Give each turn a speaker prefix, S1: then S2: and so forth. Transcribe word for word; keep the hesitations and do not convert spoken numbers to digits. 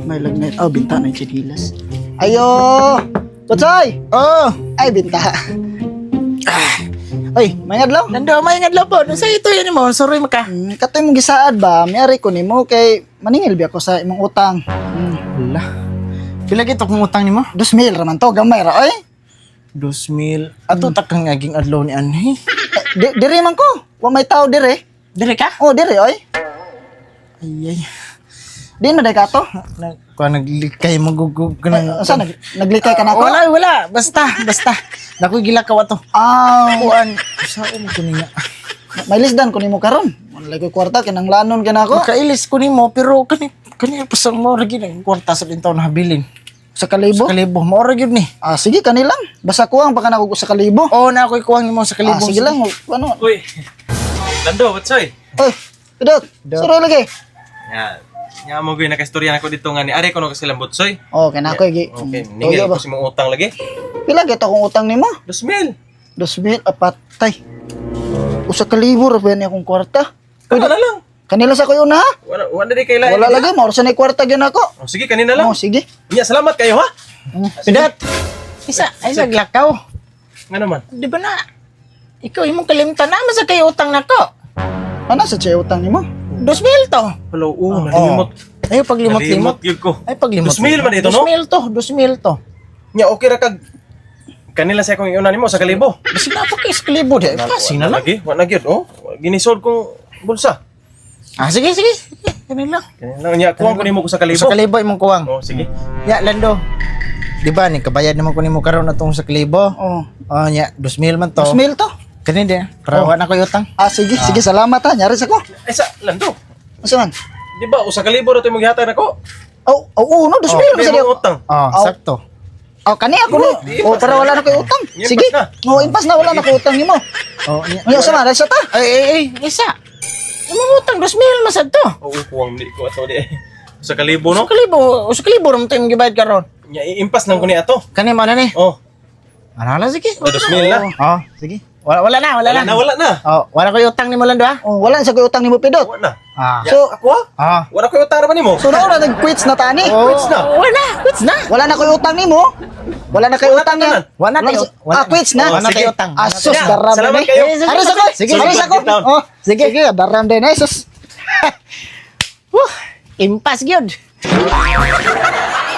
S1: May lagnat. Oh, binta na yung chinilas. Ayo! Kutsoy! Oh! Ay, binta. Ah. Oy, may ngadlaw?
S2: Nando, may ngadlaw po. Sa ito yan mo, sorry maka.
S1: Hmm, katoy mong gisaad ba? Mayari ko nimo kay maningil bi ako sa imong utang. Hmm.
S2: Wala. Pila gito kung utang nimo?
S1: Dos mil raman to, gamay ra oy.
S2: Dos mil. Ato takang ngaging adlaw ni Anhi.
S1: Di, dire man ko. Wa may tao dire.
S2: Dire ka?
S1: Oh, dire oy.
S2: Ay, ay.
S1: Di na day ka to.
S2: Na, kung naglikay magugug ka ng...
S1: Asa nag naglikay ka na ako?
S2: Wala, wala. Basta, basta. Nakoy gilakaw ato.
S1: Ah,
S2: Kuan. Saan ko niya?
S1: may lisdan ko nimo karon. Wala ko kwarta kinang lanon kana ako.
S2: Makailis ko nimo pero kani kani pasang mo ra gid ang kwarta sa dintaw na habilin.
S1: Sa kalibo?
S2: Sa kalibo, mo ra gid ni.
S1: Ah, sige kanilang. Basta kuwang pa kana ko sa kalibo.
S2: Oo na ako'y kuwang nimo sa
S1: Ah,
S2: kalibo.
S1: sige lang. Ano?
S3: Uy, Lando, what's up?
S1: Oy, pidot. Suro lagi.
S3: Yan. Nga mo gawin, nakastorya na ko dito nga ni Ari ko no kasi lambot soy.
S1: Oh, kana ko gi.
S3: Okay,
S1: Toyo
S3: ningil
S1: ba?
S3: ko si mong utang lagi.
S1: Pila gito kung utang nimo?
S3: Dos mil.
S1: Dos mil apatay. Usa ka libo ra ba ni akong kwarta?
S3: Kana na lang.
S1: Kanila sa kuyo na ha?
S3: Wala, wala di kailangan.
S1: Wala lagi, mauro sa na kwarta gyud ako.
S3: Oh, sige, kanina lang.
S1: Oh, sige.
S3: Iya, salamat kayo ha.
S2: Pidat. Isa, ay naglakaw.
S3: Nga naman.
S2: Di ba na? Ikaw imong kalimtan na sa kayo utang nako.
S1: Ano sa chay utang nimo?
S2: Dos mil to.
S3: Hello, oh, nalimot.
S2: Ay paglimot-limot.
S3: Nalimot yun ko.
S2: Ay paglimot.
S3: Dos mil man ito,
S2: Dos
S3: no?
S2: mil to, dos mil to.
S3: Nya, okay ra kag kanila sa akong iunan nimo sa kalibo.
S2: Basi na pa kay sklibo di. Kasi na lang.
S3: Lagi, wala na gyud, oh. Ginisod kong bulsa.
S2: Ah sige sige. Kanila.
S3: Kanina nya, kuwang ko nimo ko sa kalibo.
S2: Sa kalibo imong kuwang.
S3: Oh, sige.
S2: Ya Lando. Di ba ni kabayad naman ko nimo karon atong sa kalibo?
S1: Oh,
S2: Oh nya, dos mil man to.
S1: dos mil to.
S2: Kani di. Para
S1: Oh.
S2: wa na ko utang.
S1: Ah, sige, sige, salamat ha. Nyari sa ko.
S3: Ay, sa, Lando.
S1: Asa man?
S3: Di ba, usa ka libo na ito yung maghihatag nako.
S1: Oh, oh, oh, no, dos mil
S3: May
S1: sa
S3: mga
S1: ako.
S3: utang.
S2: Oh,
S1: Oh.
S2: sakto.
S1: Oh, kani ako ni.
S3: Di,
S1: Oh,
S3: impas
S1: para
S3: na.
S1: wala na koy utang.
S3: Impas
S1: Sige.
S3: na.
S1: Oh, impas na wala na koy utang nimo.
S2: Oh, nya.
S1: Ano sa man? Sa ta?
S2: Ay ay ay, isa. Imong utang dos mil masad to.
S3: Oo, kuwang di ko ato di. Usa ka libo, no?
S2: Sa kalibo, sa kalibo ram tayo gibayad karon.
S3: Nya, iimpas nang ko ni ato.
S2: Kani mo na ni.
S3: Oh,
S2: Ano na sige.
S3: na dos mil na.
S2: Oh, sige. Wala wala na, wala,
S3: Wala
S2: na.
S3: na, wala na.
S2: Oh, wala ko utang ni mo Lando ha.
S1: Oh, wala na sa koy utang nimo pidot.
S3: Wala na.
S2: Ah.
S3: Ya,
S1: So-
S3: ako ha?
S2: Ah.
S3: Wala ko yung utang naman mo.
S1: So na ora nag-quits na tani.
S2: Oh,
S3: Quits na.
S2: Wala, quits na.
S1: Wala na koy utang nimo. Wala na koy
S3: Wala
S1: utang
S3: na
S1: niya.
S3: tanan.
S2: Wala na tayo.
S1: Ah, quits na.
S2: Wala na
S3: sige.
S2: tayo utang.
S1: Asus,
S3: Ya,
S1: daram
S3: salamat
S1: din
S3: kayo.
S1: eh. Aris ako.
S2: Sige,
S1: Aris
S3: sige,
S1: ako.
S3: get down.
S1: Oh, sige, sige, daram din eh. Sus.
S2: Woo, impas gyud.